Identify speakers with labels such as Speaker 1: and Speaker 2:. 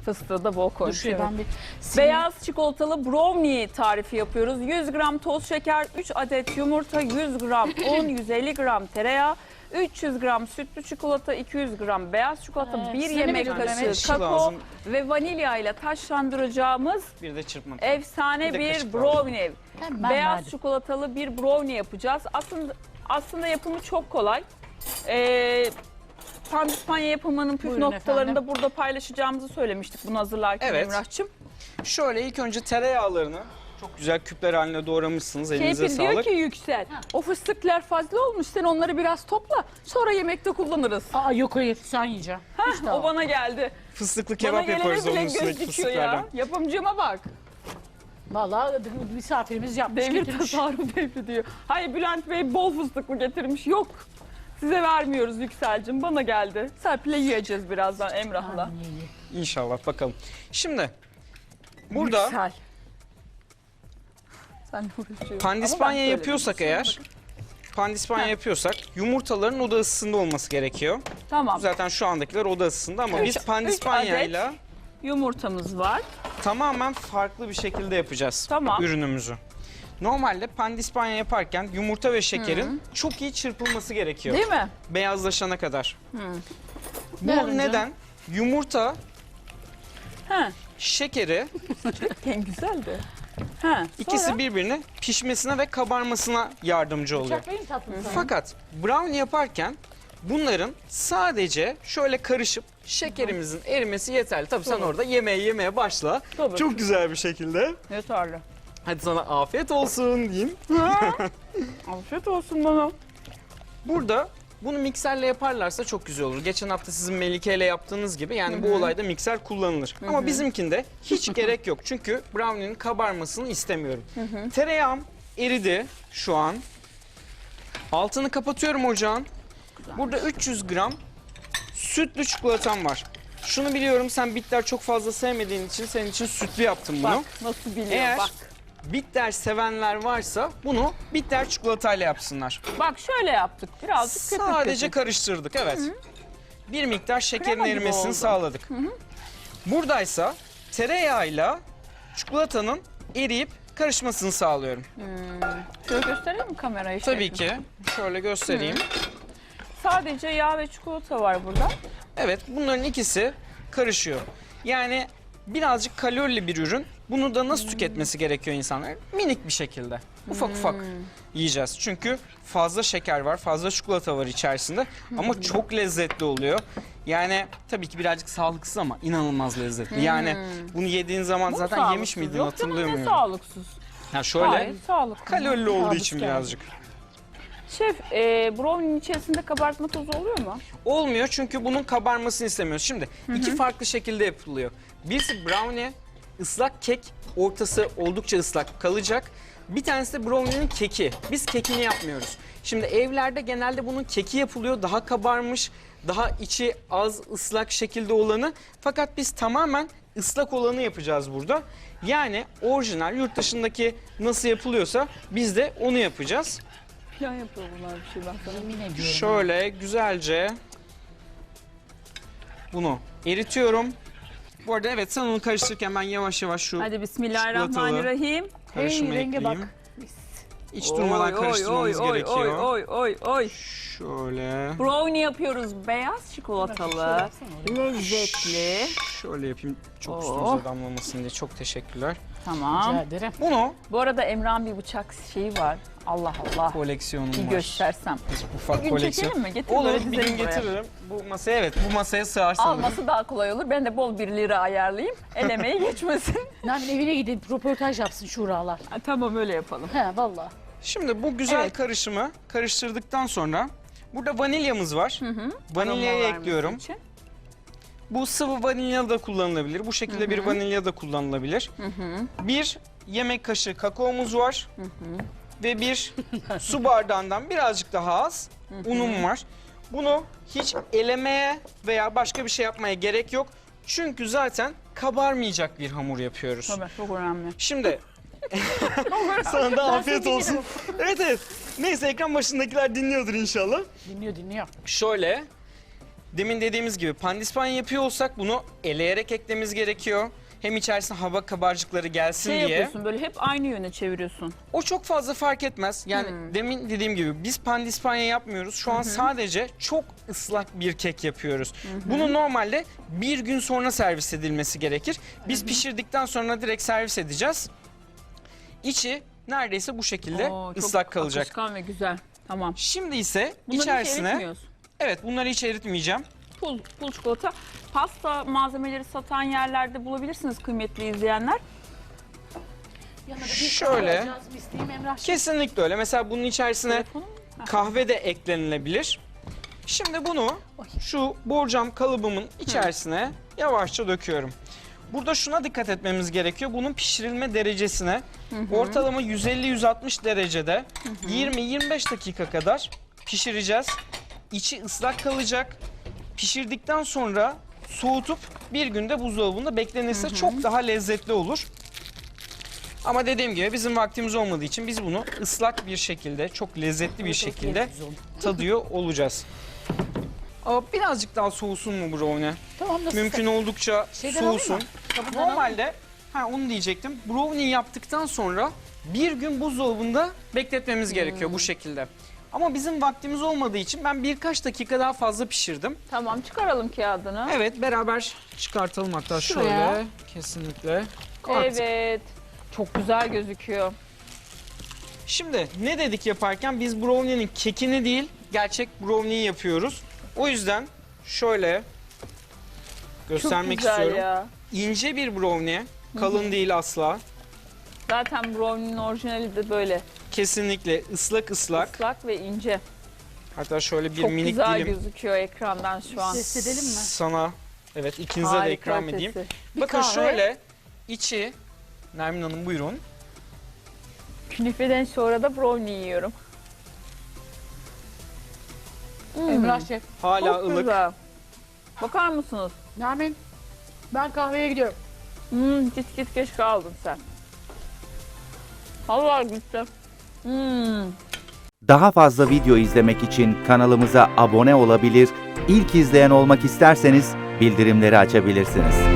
Speaker 1: Fıstığı da bol koymuş.
Speaker 2: Dur,
Speaker 1: Evet.
Speaker 2: ben bir
Speaker 1: Beyaz çikolatalı brownie tarifi yapıyoruz. 100 gram toz şeker, 3 adet yumurta, 100 gram un, 150 gram tereyağı, 300 gram sütlü çikolata, 200 gram beyaz çikolata,
Speaker 2: Evet,
Speaker 1: 1
Speaker 2: size ne
Speaker 1: yemek
Speaker 2: veriyorum
Speaker 1: kaşığı
Speaker 2: Mehmet?
Speaker 1: kakao
Speaker 3: Lazım.
Speaker 1: ve vanilya ile taşlandıracağımız
Speaker 3: Bir de çırpma.
Speaker 1: efsane
Speaker 3: Bir de
Speaker 1: bir
Speaker 3: kaşık
Speaker 1: brownie.
Speaker 2: Hemen
Speaker 1: Beyaz
Speaker 2: verdim.
Speaker 1: çikolatalı bir brownie yapacağız. Aslında yapımı çok kolay. Pandispanya yapımının püf
Speaker 2: Buyurun
Speaker 1: noktalarını
Speaker 2: efendim.
Speaker 1: da burada paylaşacağımızı söylemiştik bunu hazırlarken
Speaker 3: Evet.
Speaker 1: Emrah'cığım.
Speaker 3: Şöyle ilk önce tereyağlarını çok güzel küpler haline doğramışsınız. Elinize
Speaker 1: Keyfin diyor
Speaker 3: sağlık.
Speaker 1: ki Yüksel, o fıstıklar fazla olmuş, sen onları biraz topla, sonra yemekte kullanırız.
Speaker 2: Aa yok hayır sen yiyeceksin. İşte
Speaker 1: O bana geldi.
Speaker 3: Fıstıklı
Speaker 1: Bana
Speaker 3: kebap
Speaker 1: gelene
Speaker 3: yaparız
Speaker 1: bile
Speaker 3: onun
Speaker 1: göz
Speaker 3: üstündeki
Speaker 1: dikiyor
Speaker 3: fıstıklardan.
Speaker 1: ya. Yapımcıma bak.
Speaker 2: Vallahi misafirimiz yapmış
Speaker 1: Devir
Speaker 2: getirmiş.
Speaker 1: tasarruf devri diyor. Hayır, Bülent Bey bol fıstıklı getirmiş. Yok. Size vermiyoruz Yüksel'cim, bana geldi. Serpil'le yiyeceğiz birazdan Emrah'la.
Speaker 2: Aman iyi, iyi.
Speaker 3: İnşallah bakalım. Şimdi burada
Speaker 1: Yüksel. Sen uğraşıyorsun.
Speaker 3: pandispanya
Speaker 1: Ama ben
Speaker 3: yapıyorsak
Speaker 1: söyledim.
Speaker 3: eğer, pandispanya yapıyorsak yumurtaların oda ısısında olması gerekiyor.
Speaker 1: Tamam.
Speaker 3: Zaten şu andakiler oda ısısında ama biz
Speaker 1: Üç
Speaker 3: pandispanyayla
Speaker 1: Yumurtamız var.
Speaker 3: tamamen farklı bir şekilde yapacağız
Speaker 1: Tamam.
Speaker 3: ürünümüzü. Normalde pandispanya yaparken yumurta ve şekerin çok iyi çırpılması gerekiyor.
Speaker 1: Değil mi?
Speaker 3: Beyazlaşana kadar. Bu
Speaker 2: Ver önce.
Speaker 3: neden? Yumurta,
Speaker 1: He.
Speaker 3: şekeri
Speaker 1: En güzeldi. He.
Speaker 3: ikisi
Speaker 1: sonra?
Speaker 3: birbirine pişmesine ve kabarmasına yardımcı oluyor.
Speaker 2: Bıçak verin tatlım sana.
Speaker 3: Fakat brownie yaparken bunların sadece şöyle karışıp şekerimizin erimesi yeterli. Tabii sen orada yemeye başla.
Speaker 1: Tabii.
Speaker 3: Çok güzel bir şekilde.
Speaker 1: Yeterli.
Speaker 3: Hadi sana afiyet olsun diyeyim.
Speaker 1: Afiyet olsun bana.
Speaker 3: Burada bunu mikserle yaparlarsa çok güzel olur. Geçen hafta sizin Melike ile yaptığınız gibi yani bu olayda mikser kullanılır. Ama bizimkinde hiç gerek yok. Çünkü brownie'nin kabarmasını istemiyorum. Tereyağım eridi şu an. Altını kapatıyorum ocağın. Burada 300 gram sütlü çikolatam var. Şunu biliyorum, sen bitter çok fazla sevmediğin için senin için sütlü yaptım bunu.
Speaker 1: Bak nasıl biliyor
Speaker 3: Eğer
Speaker 1: bak.
Speaker 3: bitter sevenler varsa bunu bitter çikolatayla yapsınlar.
Speaker 1: Bak şöyle yaptık. Birazcık köpük
Speaker 3: Sadece
Speaker 1: köpük.
Speaker 3: karıştırdık, evet. Bir miktar şekerin
Speaker 1: Krema gibi
Speaker 3: erimesini
Speaker 1: oldu.
Speaker 3: sağladık. Buradaysa tereyağıyla çikolatanın eriyip karışmasını sağlıyorum.
Speaker 1: Şöyle göstereyim mi kamerayı?
Speaker 3: Tabii ki. Şöyle göstereyim.
Speaker 1: Sadece yağ ve çikolata var burada.
Speaker 3: Evet, bunların ikisi karışıyor. Yani birazcık kalorili bir ürün. Bunu da nasıl tüketmesi gerekiyor insanlar? Minik bir şekilde. Ufak ufak yiyeceğiz. Çünkü fazla şeker var, fazla çikolata var içerisinde. Ama çok lezzetli oluyor. Yani tabii ki birazcık sağlıksız ama inanılmaz lezzetli. Yani bunu yediğin zaman
Speaker 1: Bu
Speaker 3: zaten
Speaker 1: sağlıksız.
Speaker 3: yemiş miydin
Speaker 1: Yok canım, ne
Speaker 3: hatırlamıyorum.
Speaker 1: sağlıksız.
Speaker 3: Ya şöyle
Speaker 1: Hayır, sağlıklı.
Speaker 3: kalorili olduğu
Speaker 2: Kabus
Speaker 3: için
Speaker 2: geldi.
Speaker 3: birazcık.
Speaker 1: Şef, brownie'nin içerisinde kabartma tozu oluyor mu?
Speaker 3: Olmuyor çünkü bunun kabarmasını istemiyoruz. Şimdi iki farklı şekilde yapılıyor. Birisi brownie, ıslak kek, ortası oldukça ıslak kalacak. Bir tanesi de brownie'nin keki. Biz kekini yapmıyoruz. Şimdi evlerde genelde bunun keki yapılıyor. Daha kabarmış, daha içi az ıslak şekilde olanı. Fakat biz tamamen ıslak olanı yapacağız burada. Yani orijinal yurt dışındaki nasıl yapılıyorsa biz de onu yapacağız.
Speaker 1: Plan yapıyor bunlar bir şey ben sana.
Speaker 2: Yemin ediyorum.
Speaker 3: Şöyle güzelce bunu eritiyorum. Bu arada evet, sen onu karıştırırken ben yavaş yavaş şu
Speaker 1: Hadi bismillahirrahmanirrahim.
Speaker 3: karışımı
Speaker 2: Hey, renge
Speaker 3: ekleyeyim.
Speaker 2: bak.
Speaker 3: Hiç durmadan karıştırmamız gerekiyor.
Speaker 1: Oy.
Speaker 3: Şöyle,
Speaker 1: Brownie yapıyoruz. Beyaz çikolatalı, lezzetli.
Speaker 3: şöyle yapayım. Çok
Speaker 1: Oh.
Speaker 3: üstümüze damlamasın diye. Çok teşekkürler.
Speaker 1: Tamam.
Speaker 2: Rica ederim.
Speaker 3: Bunu
Speaker 1: Bu arada Emrah'ın bir bıçak şeyi var. Allah Allah.
Speaker 3: koleksiyonum
Speaker 1: Bir
Speaker 3: var.
Speaker 1: göstersem.
Speaker 3: Ufak
Speaker 1: Bir gün
Speaker 3: koleksiyon.
Speaker 1: çekelim mi? Getir
Speaker 3: Olur,
Speaker 1: böyle
Speaker 3: bir
Speaker 1: dizelim
Speaker 3: gün
Speaker 1: buraya.
Speaker 3: getiririm. Bu masaya, evet, bu masaya sığar sanırım.
Speaker 1: Alması daha kolay olur. Ben de bol 1 lira ayarlayayım. El emeği geçmesin.
Speaker 2: Nermin evine gidip röportaj yapsın şuralar.
Speaker 1: Tamam, öyle yapalım.
Speaker 2: He valla.
Speaker 3: Şimdi bu güzel
Speaker 1: Evet.
Speaker 3: karışımı karıştırdıktan sonra burada vanilyamız var. Vanilyayı
Speaker 1: Aroma vermesi
Speaker 3: ekliyorum.
Speaker 1: için.
Speaker 3: Bu sıvı vanilya da kullanılabilir. Bu şekilde bir vanilya da kullanılabilir. Bir yemek kaşığı kakaomuz var. Ve bir su bardağından birazcık daha az unum var. Bunu hiç elemeye veya başka bir şey yapmaya gerek yok. Çünkü zaten kabarmayacak bir hamur yapıyoruz.
Speaker 1: Tabii, çok önemli.
Speaker 3: Şimdi sana da afiyet olsun. Evet evet. Neyse, ekran başındakiler dinliyordur inşallah.
Speaker 2: Dinliyor.
Speaker 3: Şöyle demin dediğimiz gibi pandispanya yapıyor olsak bunu eleyerek eklememiz gerekiyor. Hem içerisine hava kabarcıkları gelsin
Speaker 1: Şey
Speaker 3: diye.
Speaker 1: yapıyorsun böyle hep aynı yöne çeviriyorsun.
Speaker 3: O çok fazla fark etmez. Yani demin dediğim gibi biz pandispanya yapmıyoruz. Şu an sadece çok ıslak bir kek yapıyoruz. Bunu normalde bir gün sonra servis edilmesi gerekir. Biz pişirdikten sonra direkt servis edeceğiz. İçi neredeyse bu şekilde
Speaker 1: Oo, çok
Speaker 3: ıslak kalacak.
Speaker 1: akışkan ve güzel. Tamam.
Speaker 3: Şimdi ise
Speaker 1: Bunları hiç
Speaker 3: içerisine
Speaker 1: eritmiyoruz.
Speaker 3: evet bunları hiç eritmeyeceğim.
Speaker 1: Pul çikolata. Pasta malzemeleri satan yerlerde bulabilirsiniz kıymetli izleyenler.
Speaker 2: Yanına bir
Speaker 3: Şöyle.
Speaker 2: kahve alacağız, isteyeyim Emrah.
Speaker 3: Kesinlikle öyle. Mesela bunun içerisine
Speaker 1: Telefonum.
Speaker 3: kahve de eklenilebilir. Şimdi bunu şu borcam kalıbımın içerisine yavaşça döküyorum. Burada şuna dikkat etmemiz gerekiyor. Bunun pişirilme derecesine ortalama 150-160 derecede 20-25 dakika kadar pişireceğiz. İçi ıslak kalacak. Pişirdikten sonra soğutup bir günde buzdolabında beklenirse çok daha lezzetli olur. Ama dediğim gibi bizim vaktimiz olmadığı için biz bunu ıslak bir şekilde, çok lezzetli bir şekilde tadıyor olacağız. Birazcık daha soğusun mu brownie?
Speaker 2: Tamam, nasıl?
Speaker 3: Mümkün oldukça
Speaker 2: Şeyden
Speaker 3: soğusun.
Speaker 2: alayım mı? Kabından alayım mı?
Speaker 3: Normalde onu diyecektim. Brownie yaptıktan sonra bir gün buzdolabında bekletmemiz gerekiyor bu şekilde. Ama bizim vaktimiz olmadığı için ben birkaç dakika daha fazla pişirdim.
Speaker 1: Tamam, çıkaralım kağıdını.
Speaker 3: Evet, beraber çıkartalım hatta
Speaker 2: Şuraya.
Speaker 3: şöyle. Kesinlikle. Artık.
Speaker 1: Evet. Çok güzel gözüküyor.
Speaker 3: Şimdi ne dedik yaparken biz brownie'nin kekini değil gerçek brownie'yi yapıyoruz. O yüzden şöyle göstermek
Speaker 1: Çok güzel
Speaker 3: istiyorum.
Speaker 1: ya.
Speaker 3: İnce bir brownie, kalın değil asla.
Speaker 1: Zaten brownie'nin orijinali de böyle
Speaker 3: Kesinlikle ıslak ıslak.
Speaker 1: ıslak ve ince.
Speaker 3: Hatta şöyle bir
Speaker 1: Çok
Speaker 3: minik
Speaker 1: güzel
Speaker 3: dilim
Speaker 1: gözüküyor ekrandan şu an.
Speaker 2: Test edelim mi?
Speaker 3: sana, evet ikinize de
Speaker 1: Harika
Speaker 3: ikram edeyim.
Speaker 1: ötesi.
Speaker 2: Bir
Speaker 3: Bakın
Speaker 2: kahve.
Speaker 3: şöyle içi, Nermin Hanım buyurun.
Speaker 1: Künefeden sonra da brownie yiyorum.
Speaker 2: Emrah Şef.
Speaker 3: Hala
Speaker 1: Çok
Speaker 3: ılık.
Speaker 1: güzel. Bakar mısınız?
Speaker 2: Nermin, ben kahveye gidiyorum.
Speaker 1: Git geç kaldın sen. Allah gitti.
Speaker 4: Daha fazla video izlemek için kanalımıza abone olabilir, ilk izleyen olmak isterseniz bildirimleri açabilirsiniz.